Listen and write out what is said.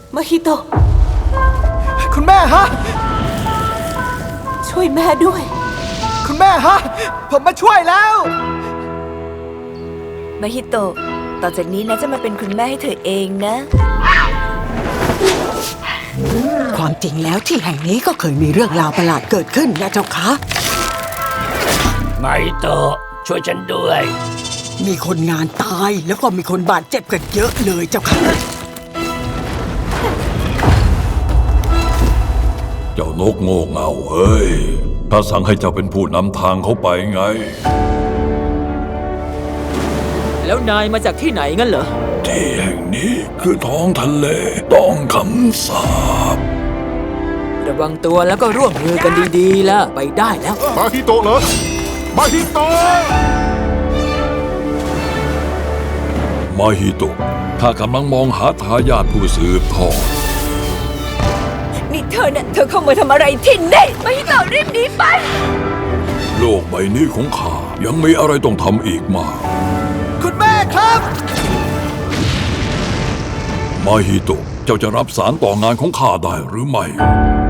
มาฮิโตะคุณแม่ฮะช่วยแม่ด้วยคุณแม่ฮะผมมาช่วยแล้วมาฮิโตะต่อจากนี้นะจะมาเป็นคุณแม่ให้เธอเองนะความจริงแล้วที่แห่งนี้ก็เคยมีเรื่องราวประหลาดเกิดขึ้นนะเจ้าคะมาฮิโตะช่วยฉันด้วยมีคนงานตายแล้วก็มีคนบาดเจ็บกันเยอะเลยเจ้าค่ะเจ้านกโง่เง่าเฮ้ยถ้าสั่งให้เจ้าเป็นผู้นำทางเขาไปไงแล้วนายมาจากที่ไหนงั้นเหรอที่แห่งนี้คือท้องทะเลต้องคำสาประวังตัวแล้วก็ร่วมมือกันดีๆแล้วไปได้แล้วมาฮิโตะเหรอมาฮิโตะมาฮิโตะข้ากำลังมองหาทายาทผู้สืบทอดนี่เธอเข้ามาทำอะไรที่นี่มาฮิโตะรีบหนีไปโลกใบนี้ของข้ายังมีอะไรต้องทำอีกมากคุณแม่ครับมาฮิโตะเจ้าจะรับสารต่องานของข้าได้หรือไม่